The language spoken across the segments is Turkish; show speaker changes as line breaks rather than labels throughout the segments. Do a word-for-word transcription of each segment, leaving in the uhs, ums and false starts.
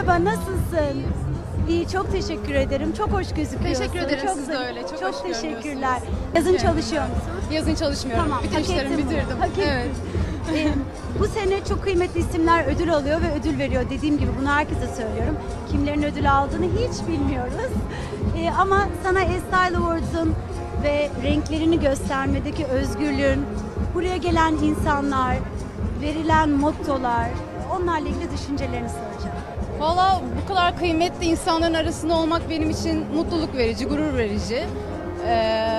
Merhaba, nasılsın? İyi, çok teşekkür ederim. Çok hoş gözüküyorsun.
Teşekkür ederim,
Çok
siz de
zarif.
öyle. Çok
Çok
hoş
teşekkürler.
görünüyorsunuz.
Yazın
Evet.
çalışıyor musun?
Yazın çalışmıyorum.
Tamam,
Bütün
hak
işlerimi
ettin bunu.
bitirdim.
Hak ettin.
Evet.
Ee, bu sene çok kıymetli isimler ödül alıyor ve ödül veriyor. Dediğim gibi bunu herkese söylüyorum. Kimlerin ödül aldığını hiç bilmiyoruz. Ee, ama sana Estyle Awards'ın ve renklerini göstermedeki özgürlüğün, buraya gelen insanlar, verilen mottolar, onlarla ilgili düşüncelerini soracağım.
Valla bu kadar kıymetli insanların arasında olmak benim için mutluluk verici, gurur verici. Ee,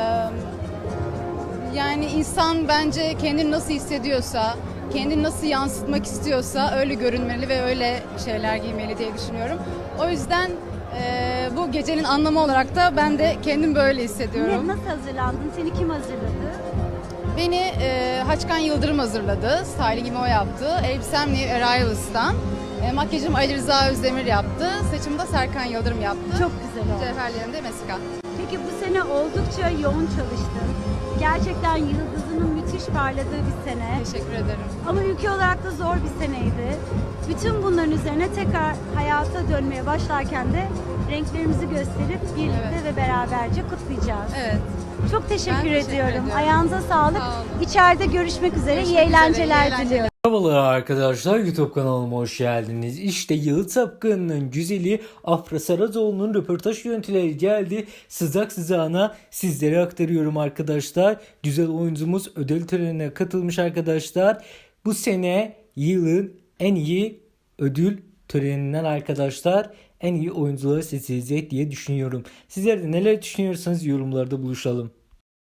yani insan bence kendini nasıl hissediyorsa, kendini nasıl yansıtmak istiyorsa öyle görünmeli ve öyle şeyler giymeli diye düşünüyorum. O yüzden e, bu gecenin anlamı olarak da ben de kendim böyle hissediyorum.
Ne, nasıl hazırlandın? Seni kim hazırladı?
Beni e, Haçkan Yıldırım hazırladı. Stylingimi o yaptı. Elbisem New Arrivals'tan. E, makyajım Ali Rıza Özdemir yaptı. Saçımı da Serkan Yıldırım yaptı.
Çok güzel oldu.
Cevherlerim de Mesika.
Peki bu sene oldukça yoğun çalıştın. Gerçekten yıldızının müthiş parladığı bir sene.
Teşekkür ederim.
Ama ülke olarak da zor bir seneydi. Bütün bunların üzerine tekrar hayata dönmeye başlarken de renklerimizi gösterip birlikte
Evet.
ve beraberce kutlayacağız.
Evet.
Çok teşekkür,
Ben teşekkür
ediyorum.
ediyorum.
Ayağınıza sağlık.
Sağ olun.
İçeride görüşmek üzere.
Görüşmek
İyi
üzere,
eğlenceler
iyi eğlenceler.
diliyorum.
Merhabalar arkadaşlar, YouTube kanalıma hoş geldiniz. İşte Yalı Çapkın'ın güzeli Afra Saracoğlu'nun röportaj görüntüleri geldi. Sızak sızağına sizlere aktarıyorum arkadaşlar. Güzel oyuncumuz ödül törenine katılmış arkadaşlar. Bu sene yılın en iyi ödül töreninden arkadaşlar en iyi oyuncuları seçilecek diye düşünüyorum. Sizler de neler düşünüyorsanız yorumlarda buluşalım.